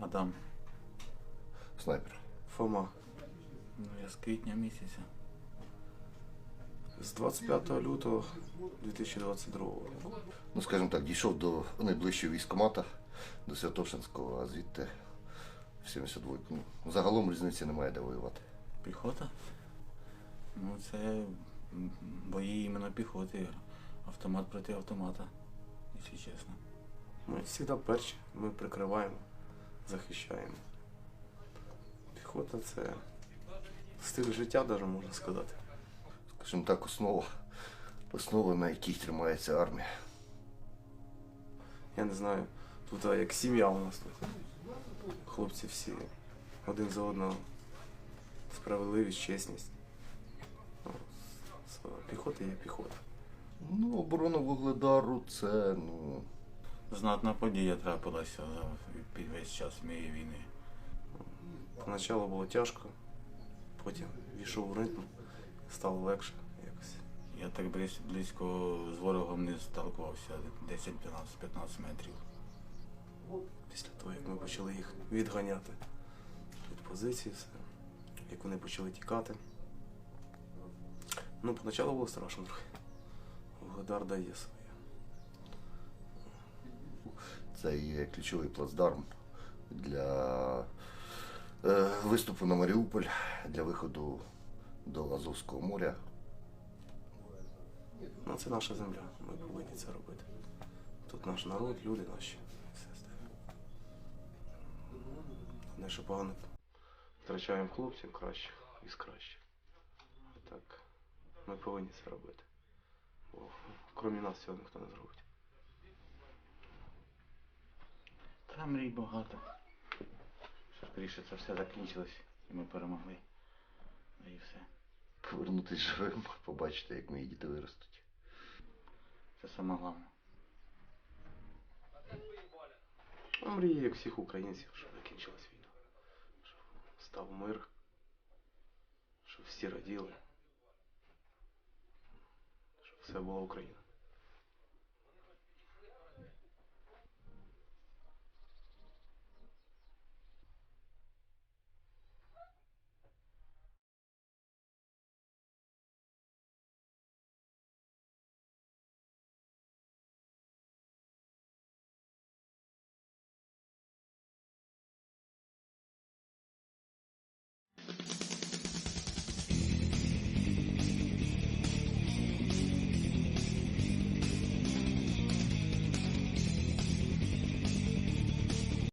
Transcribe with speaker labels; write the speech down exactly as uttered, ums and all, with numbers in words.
Speaker 1: Адам.
Speaker 2: Снайпер.
Speaker 3: Фома.
Speaker 1: Ну, я з квітня місяця.
Speaker 3: З двадцять п'ятого лютого дві тисячі двадцять другого року.
Speaker 2: Ну, скажімо так, дійшов до найближчого військкомата, до Святошинського, а звідти в сімдесят двойку. Ну, загалом різниці немає, де воювати.
Speaker 1: Піхота? Ну, це м, бої іменно піхоти. Автомат проти автомата, якщо чесно.
Speaker 3: Ми завжди перші, ми прикриваємо, захищаємо. Піхота це стиль життя, навіть можна сказати.
Speaker 2: Скажімо так, основа, основа, на якій тримається армія.
Speaker 3: Я не знаю, тут а, як сім'я у нас тут. Хлопці всі один за одного. Справедливість, чесність. Ну, з- Піхота є піхота.
Speaker 2: Ну, оборона Вугледару це, ну,
Speaker 1: Знатна подія трапилася за під весь час моєї війни.
Speaker 3: Поначалу було тяжко, потім війшов в ритм, стало легше якось.
Speaker 1: Я так близь- близько з ворогом не сталкувався, десять п'ятнадцять метрів.
Speaker 3: Після того, як ми почали їх відганяти від позиції, все, як вони почали тікати. Ну, поначалу було страшно трохи. Вугледар дає своє.
Speaker 2: це є ключовий плацдарм для е, виступу на Маріуполь, для виходу до Азовського моря.
Speaker 3: Ну, це наша земля, ми повинні це робити. Тут наш народ, люди наші. Все стає. Не що погано. Втрачаємо хлопців кращих із кращих. Так, ми повинні це робити. Бо крім нас цього ніхто не зробить.
Speaker 1: Та мрій багато. Що скоріше це все закінчилось і ми перемогли. Ну і все.
Speaker 2: Повернутися живим, побачити, як мої діти виростуть.
Speaker 1: Це саме головне.
Speaker 3: А мрії, як всіх українців, щоб закінчилась війна. Щоб став мир. Щоб всі раділи. Щоб все була Україна.